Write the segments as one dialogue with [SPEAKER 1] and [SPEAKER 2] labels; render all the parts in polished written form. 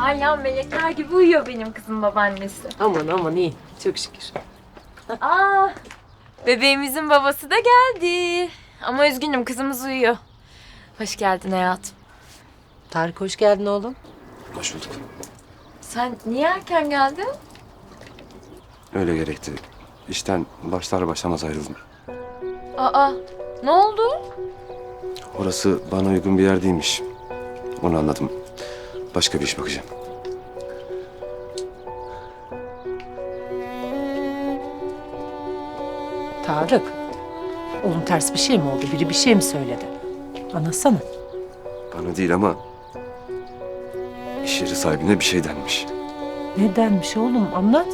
[SPEAKER 1] Hala melekler gibi uyuyor benim kızım babaannesi.
[SPEAKER 2] Aman aman iyi. Çok şükür.
[SPEAKER 1] Aa, bebeğimizin babası da geldi. Ama üzgünüm kızımız uyuyor. Hoş geldin hayatım.
[SPEAKER 2] Tarık hoş geldin oğlum.
[SPEAKER 3] Hoş bulduk.
[SPEAKER 1] Sen niye erken geldin?
[SPEAKER 3] Öyle gerekti. İşten başlar başlamaz ayrıldım.
[SPEAKER 1] Aa, ne oldu?
[SPEAKER 3] Orası bana uygun bir yer değilmiş. Onu anladım. Başka bir iş bakacağım.
[SPEAKER 2] Tarık. Oğlum ters bir şey mi oldu? Biri bir şey mi söyledi? Anlatsana.
[SPEAKER 3] Bana değil ama iş yeri sahibine bir şey denmiş.
[SPEAKER 2] Nedenmiş oğlum? Anlat.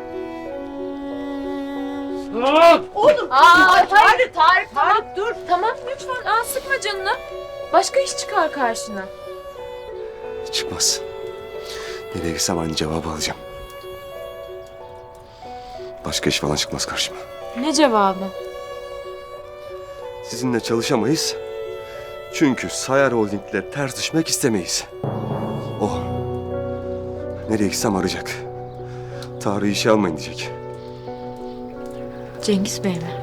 [SPEAKER 1] Tarık, tamam.
[SPEAKER 2] dur.
[SPEAKER 1] Tamam lütfen, sıkma canını. Başka iş çıkar karşına.
[SPEAKER 3] Çıkmaz. Nereye gitsem aynı cevabı alacağım. Başka iş falan çıkmaz karşıma.
[SPEAKER 1] Ne cevabı?
[SPEAKER 3] Sizinle çalışamayız. Çünkü Sayar Holding'le ters düşmek istemeyiz. O. Nereye gitsem arayacak. Tarık'ı işe almayın diyecek.
[SPEAKER 1] Cengiz Bey mi?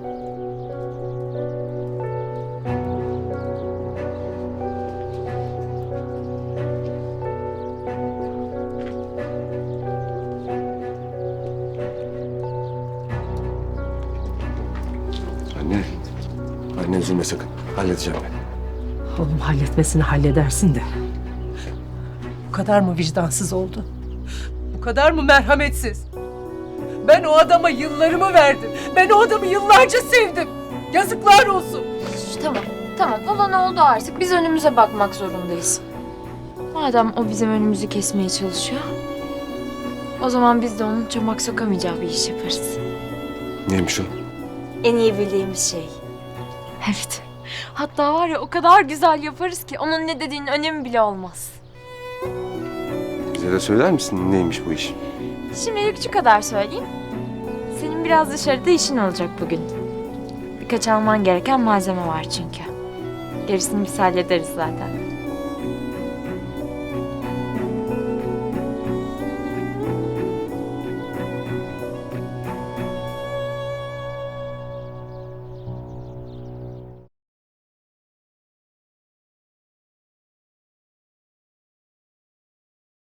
[SPEAKER 3] Anne. Anne üzülme sakın. Halledeceğim ben.
[SPEAKER 2] Oğlum halletmesini halledersin de. Bu kadar mı vicdansız oldu? Bu kadar mı merhametsiz? Ben o adama yıllarımı verdim. Ben o adamı yıllarca sevdim. Yazıklar olsun.
[SPEAKER 1] Tamam. Olan oldu artık. Biz önümüze bakmak zorundayız. Madem o bizim önümüzü kesmeye çalışıyor, o zaman biz de onun çomak sokamayacağı bir iş yaparız.
[SPEAKER 3] Neymiş o?
[SPEAKER 1] En iyi bildiğimiz şey. Evet. Hatta var ya, o kadar güzel yaparız ki onun ne dediğinin önemi bile olmaz.
[SPEAKER 3] Bize de söyler misin neymiş bu iş?
[SPEAKER 1] Şimdilik şu kadar söyleyeyim. Senin biraz dışarıda işin olacak bugün. Birkaç alman gereken malzeme var çünkü. Gerisini biz hallederiz zaten.